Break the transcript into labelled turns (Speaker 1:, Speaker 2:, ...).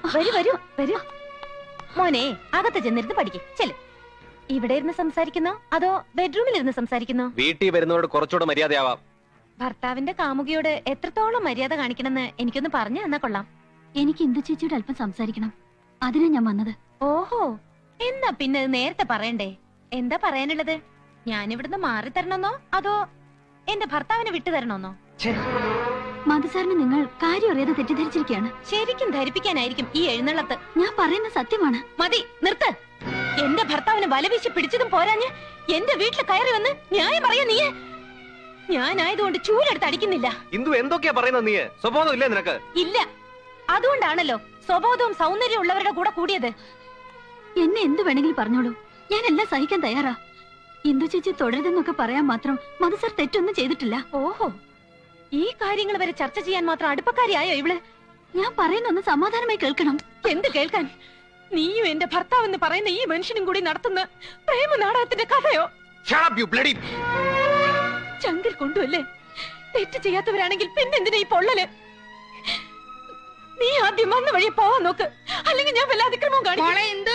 Speaker 1: വരൂ വരൂ വരൂ. മോനെ അകത്ത് ചെന്നിരുന്ന് പഠിക്കും. ചെല്. ഇവിടെ ഇരുന്ന് സംസാരിക്കുന്നോ അതോ ബെഡ്റൂമിൽ ഇരുന്ന് സംസാരിക്കുന്നോ?
Speaker 2: വീട്ടിൽ വരുന്നവരോട് കുറച്ചുകൂടെ മര്യാദയാവാം.
Speaker 1: ഭർത്താവിന്റെ കാമുകിയോട് എത്രത്തോളം മര്യാദ കാണിക്കണമെന്ന് എനിക്കൊന്ന് പറഞ്ഞു തന്നാ കൊള്ളാം.
Speaker 3: എനിക്ക് ഇന്ദു ചേച്ചിയോട് അല്പം സംസാരിക്കണം. അതിനാ ഞാൻ വന്നത്.
Speaker 1: ഓഹോ, എന്നാ പിന്നെ നേരത്തെ പറയണ്ടേ? എന്താ പറയാനുള്ളത്? ഞാനിവിടുന്ന് മാറി തരണമെന്നോ അതോ എന്റെ ഭർത്താവിനെ വിട്ടു തരണമെന്നോ?
Speaker 3: മധുസാറിന് നിങ്ങൾ കാര്യം അറിയാതെ തെറ്റിദ്ധരിച്ചിരിക്കുകയാണ്.
Speaker 1: ശരിക്കും ധരിപ്പിക്കാനായിരിക്കും ഈ എഴുന്നള്ളത്ത്.
Speaker 3: ഞാൻ പറയുന്ന സത്യമാണ്.
Speaker 1: മതി, നിർത്ത്. എന്റെ ഭർത്താവിനെ വലവീശി പിടിച്ചതും പോരാഞ്ഞ് എന്റെ വീട്ടിൽ കയറി വന്ന് ന്യായം പറയാ നീ. ഞാനായതുകൊണ്ട് ചൂലെടുത്ത് അടിക്കുന്നില്ല.
Speaker 2: ഇന്ദു എന്തൊക്കെയാ പറയുന്നത്? നീ സ്വഭാവം ഇല്ലേ നിനക്ക്?
Speaker 1: ഇല്ല, അതുകൊണ്ടാണല്ലോ സ്വബോധവും സൗന്ദര്യവും ഉള്ളവരുടെ കൂടെ കൂടിയത്.
Speaker 3: എന്നെ എന്ത് വേണമെങ്കിലും പറഞ്ഞോളൂ, ഞാൻ എല്ലാം സഹിക്കാൻ തയ്യാറാ. ഇന്ദു ചേച്ചി തുടരുതെന്നൊക്കെ പറയാൻ മാത്രം മധുസാർ തെറ്റൊന്നും ചെയ്തിട്ടില്ല.
Speaker 1: ഓഹോ, ഈ കാര്യങ്ങൾ വരെ ചർച്ച ചെയ്യാൻ മാത്രം അടുപ്പക്കാരിയായോ ഇവള്?
Speaker 3: ഞാൻ പറയുന്നൊന്ന് സമാധാനമായി കേൾക്കണം.
Speaker 1: എന്ത് കേൾക്കാൻ? നീയും എന്റെ ഭർത്താവ് എന്ന് പറയുന്ന ഈ മനുഷ്യനും കൂടി നടത്തുന്ന പ്രേമ നാടകത്തിന്റെ കഥയോ? ചങ്കിൽ കൊണ്ടുവല്ലേ? തെറ്റ് ചെയ്യാത്തവരാണെങ്കിൽ പിന്നെന്തിനാ ഈ പൊള്ളല്? നീ ആദ്യം വന്ന വഴി പോവാൻ നോക്ക്, അല്ലെങ്കിൽ ഞാൻ വല്ല അതിക്രമവും കാണിക്കും.